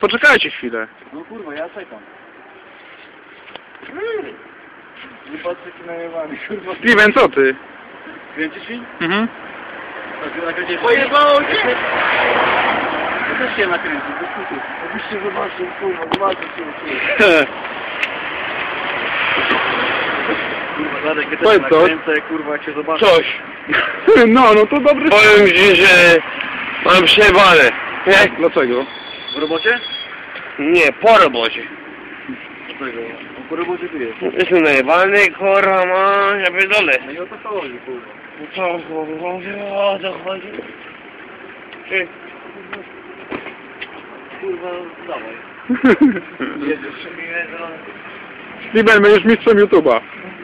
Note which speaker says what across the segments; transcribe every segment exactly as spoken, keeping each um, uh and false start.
Speaker 1: Poczekajcie chwilę.
Speaker 2: No kurwa, ja czekam. Nie patrzę ci najebany, kurwa.
Speaker 1: Steven, co ty?
Speaker 2: Kręcisz mi?
Speaker 1: Mhm.
Speaker 2: Pojebało cię! Ja też się nakręcił, bez kutu. Obyście zobaczył, kurwa, zobaczcie się uczyłem. Kurwa, Radek, ja też się nakręcę, kurwa, jak się zobaczę.
Speaker 3: Coś.
Speaker 1: No, no to dobry...
Speaker 3: Powiem ci, że mam przejebane. Nie?
Speaker 1: Dlaczego?
Speaker 2: W robocie?
Speaker 3: Nie, po robocie.
Speaker 2: Dlaczego? No po robocie tu jest.
Speaker 3: Jestem najebany, kurwa, ma, ja pierdolę.
Speaker 2: No i o to chodzi, kurwa.
Speaker 3: No co, kurwa, o co chodzi? Ty.
Speaker 2: Kurwa, dawaj. Jedziesz mi jedno.
Speaker 1: Steven, będziesz mistrzem YouTube'a.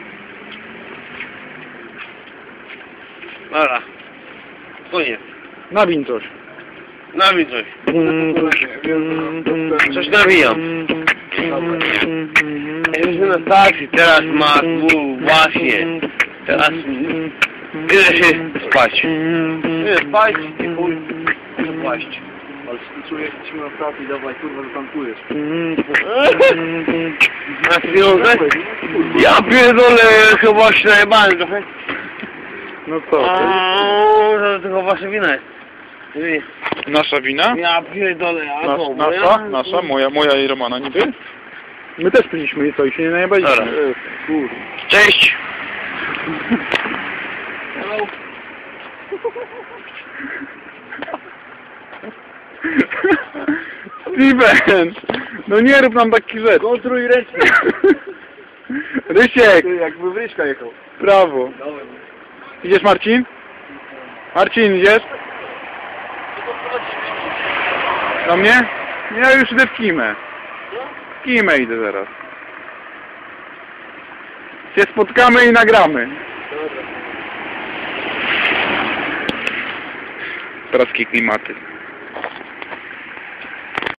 Speaker 3: Dobra. Koniec.
Speaker 1: Nawin coś.
Speaker 3: Nawij coś. Coś nawijam. Jesteśmy na stacji, teraz ma tu właśnie. Teraz idę się spać.
Speaker 2: Nie, spać, nie chuj. Spać. Ale czujesz, że na stacji, dawaj, kurwa, zatankujesz.
Speaker 3: Na pieniądze? Ja pierdolę, chyba się najebałem trochę.
Speaker 1: No co?
Speaker 3: Aaaa, to tylko wasza wina jest. Ty,
Speaker 1: Nasza wina?
Speaker 3: ja pierdolę, a
Speaker 1: Nas,
Speaker 3: to
Speaker 1: nasza?
Speaker 3: moja?
Speaker 1: Nasza? Moja, moja i Romana niby? My też piliśmy i co? I się nie najebaliśmy.
Speaker 3: Dobra.
Speaker 1: E, kur...
Speaker 3: Cześć!
Speaker 2: Hello.
Speaker 1: Steven! No nie rób nam takich rzeczy.
Speaker 2: Kontruj ręcznie.
Speaker 1: Rysiek!
Speaker 2: Ty, jakby Wryśka jechał.
Speaker 1: Brawo.
Speaker 2: Dałem.
Speaker 1: Idziesz, Marcin? Marcin, idziesz? Do mnie? Ja już idę w Kimę. W Kimę idę zaraz. Się spotkamy i nagramy.
Speaker 2: Dobra.
Speaker 1: Teraz klimaty.